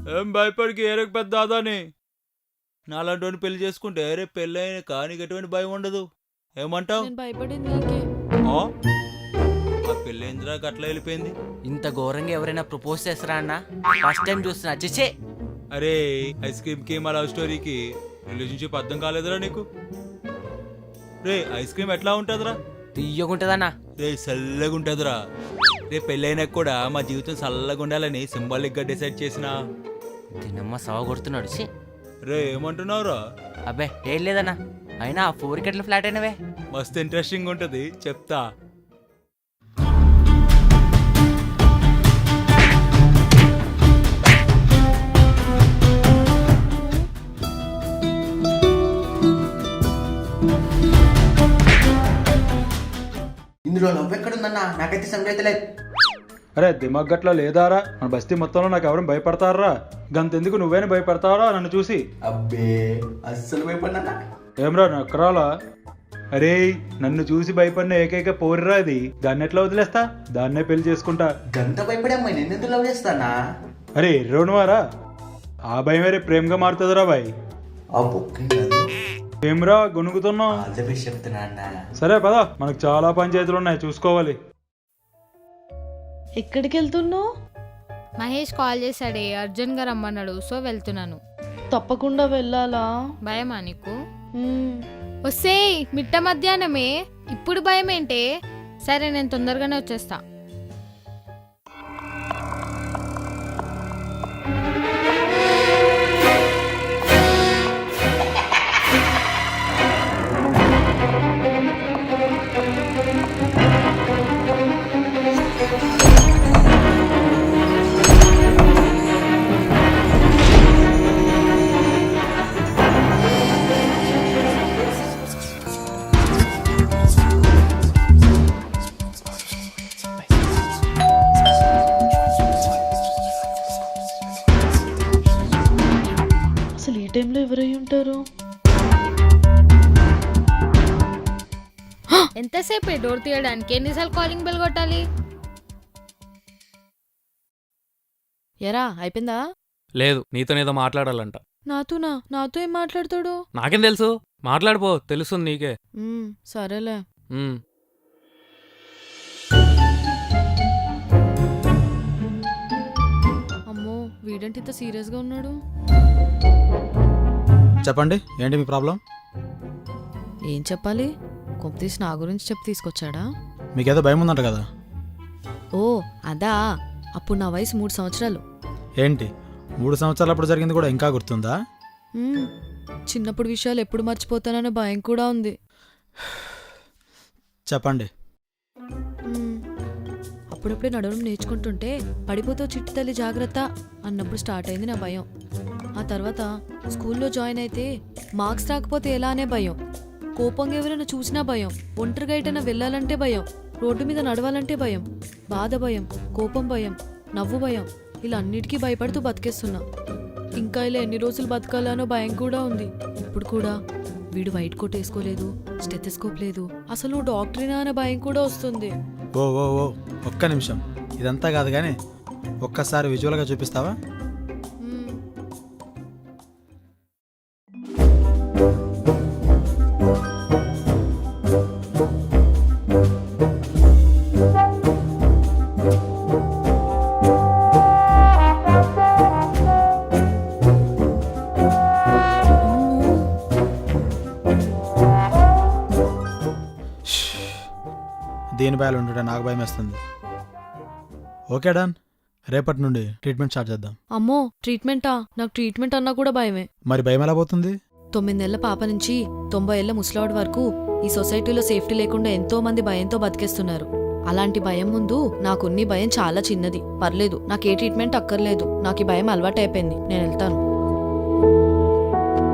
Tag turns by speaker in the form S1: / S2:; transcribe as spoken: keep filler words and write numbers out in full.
S1: ఏం భయపడికి ఏరకు పెద్ద దాదాని నాలాంటి పెళ్లి చేసుకుంటే రేపు పెళ్ళి అయిన కానీ ఎటువంటి భయం ఉండదు. ఏమంటావు?
S2: నేను భయపడింది నీకే.
S1: ఆ పెళ్ళి ఏందిరా అట్లా వెళ్ళిపోయింది?
S3: ఇంత ఘోరంగా ఎవరైనా ప్రపోజ్ చేస్తారా అన్న? ఫస్ట్ టైం చూస్తున్నా. చేసే
S1: అరే ఐస్ క్రీమ్ కి మా లవ్ స్టోరీకి రిలేషన్షిప్ అర్థం కాలేదురా నీకు? రే ఐస్ క్రీమ్ ఎట్లా ఉంటదిరా?
S3: తీయగుంటదన్నా.
S1: రే చల్లగా ఉంటదిరా. రేపు పెళ్ళైనాక కూడా మా జీవితం చల్లగా ఉండాలని సింబాలిక్ గా డిసైడ్ చేసిన.
S3: తినమ్మ సవ కొడుతున్నాడు. ఛీ.
S1: రే ఏమంటున్నావురా?
S3: అబ్బే ఏం లేదన్నా. అయినా ఆ ఫోర్ ఎట్లా ఫ్లాట్ అయినవే?
S1: మస్తు ఇంట్రెస్టింగ్ ఉంటది, చెప్తా.
S3: ఇందులో నవ్వు ఎక్కడుందన్నా? నాకైతే సంగతి లేదు.
S4: అరే దిమాగ్ గట్లా లేదారా? మన బస్తీ మొత్తంలో నాకు ఎవరైనా భయపడతారా? గంతెందుకు నువ్వేనా భయపడతావరా నన్ను చూసి?
S3: అబ్బే అస్సలు భయపడినా.
S4: ఏమ్రా నక్కరాలా? అరే నన్ను చూసి భయపడిన ఏకైక పోర్రా అది. దాన్ని ఎట్లా వదిలేస్తా? దాన్నే పెళ్లి చేసుకుంటా.
S3: గంత భయపడే అమ్మాయి నేను ఎందుకు లవ్ చేస్తానా?
S4: అరే ఎర్రోనువారా? ఆ భయం వేరే ప్రేమగా మారుతుందిరా బాయ్.
S3: ఆ బొక్క
S4: ఏమ్రా గొనుగుతున్నావు?
S3: చెప్తున్నా అన్న.
S4: సరే పదా, మనకు చాలా పంచాయతీలు ఉన్నాయి, చూసుకోవాలి.
S2: ఎక్కడికి వెళ్తున్నావు?
S5: మహేష్ కాల్ చేశాడే, అర్జున్ గారు రమ్మన్నాడు, సో వెళ్తున్నాను.
S2: తప్పకుండా వెళ్ళాలా?
S5: భయమా నీకు?
S2: మ్మ్.
S5: వస్తే మిట్ట మధ్యాహ్నమే, ఇప్పుడు భయం ఏంటే? సరే నేను తొందరగానే వచ్చేస్తా.
S2: అసలు ఈ టైంలో ఎవరై ఉంటారు?
S5: ఎంతసేపు డోర్ తీయడానికి? ఎన్నిసార్లు కాలింగ్ బెల్ కొట్టాలి?
S2: ఎరా అయిపోయిందా?
S6: లేదు, నీతోనేదో మాట్లాడాలంట.
S2: నాతోనా? నాతో ఏం మాట్లాడతాడు?
S6: నాకేం తెలుసు, మాట్లాడిపో, తెలుస్తుంది నీకే.
S2: మ్మ్, సరేలే.
S6: ఉమ్.
S2: అమ్మో వీడంటే ఇంత సీరియస్గా ఉన్నాడు.
S7: చెప్పండి, ఏంటి మీ ప్రాబ్లం?
S2: ఏం చెప్పాలి? కొంపతీసి నా గురించి చెప్పి తీసుకొచ్చాడా?
S7: మీకేదో భయం ఉందంట కదా?
S2: ఓ అదా, అప్పుడు నా వయసు మూడు సంవత్సరాలు.
S7: ఏంటి మూడు సంవత్సరాలు అప్పుడు జరిగింది కూడా ఇంకా గుర్తుందా?
S2: మ్మ్, చిన్నప్పుడు విషయాలు ఎప్పుడు మర్చిపోతాననే భయం కూడా ఉంది.
S7: చెప్పండి.
S2: మ్మ్, అప్పుడప్పుడే నడవడం నేర్చుకుంటుంటే పడిపోతావు చిట్టి తల్లి జాగ్రత్త అన్నప్పుడు స్టార్ట్ అయింది నా భయం. ఆ తర్వాత స్కూల్లో జాయిన్ అయితే మార్క్స్ రాకపోతే ఎలా అనే భయం, కోపంగా ఎవరైనా చూసినా భయం, ఒంటరిగా ఎటైనా వెళ్ళాలంటే భయం, రోడ్డు మీద నడవాలంటే భయం, బాధ భయం, కోపం భయం, నవ్వు భయం, ఇలా అన్నిటికీ భయపడుతూ బతికేస్తున్నా. ఇంకా ఇలా ఎన్ని రోజులు బతకాలనో భయం కూడా ఉంది. ఇప్పుడు కూడా వీడు వైట్ కోట్ వేసుకోలేదు, స్టెథోస్కోప్ లేదు, అసలు నువ్వు డాక్టరేనా అనే భయం కూడా వస్తుంది.
S7: ఓ ఓ ఓ ఒక్క నిమిషం, ఇదంతా కాదు కానీ ఒక్కసారి విజువల్గా చూపిస్తావా?
S2: మ్మ్.
S7: దీని భయాలు ఉంటుంటే నాకు భయం వేస్తుంది. ఓకే డన్, రేపటి నుండి ట్రీట్మెంట్ స్టార్ట్ చేద్దాం.
S2: అమ్మో ట్రీట్మెంటా? నాకు ట్రీట్మెంట్ అన్నా కూడా భయమే.
S7: మరి భయం ఎలా పోతుంది?
S2: తొమ్మిదేళ్ల పాప నుంచి తొంభై ఏళ్ల ముసలాడు వరకు ఈ సొసైటీలో సేఫ్టీ లేకుండా ఎంతో మంది భయంతో బతికేస్తున్నారు. అలాంటి భయం ముందు నాకున్ని భయం చాలా చిన్నది. పర్లేదు, నాకు ఏ ట్రీట్మెంట్ అక్కర్లేదు. నాకు ఈ భయం అలవాటు అయిపోయింది. నేను వెళ్తాను.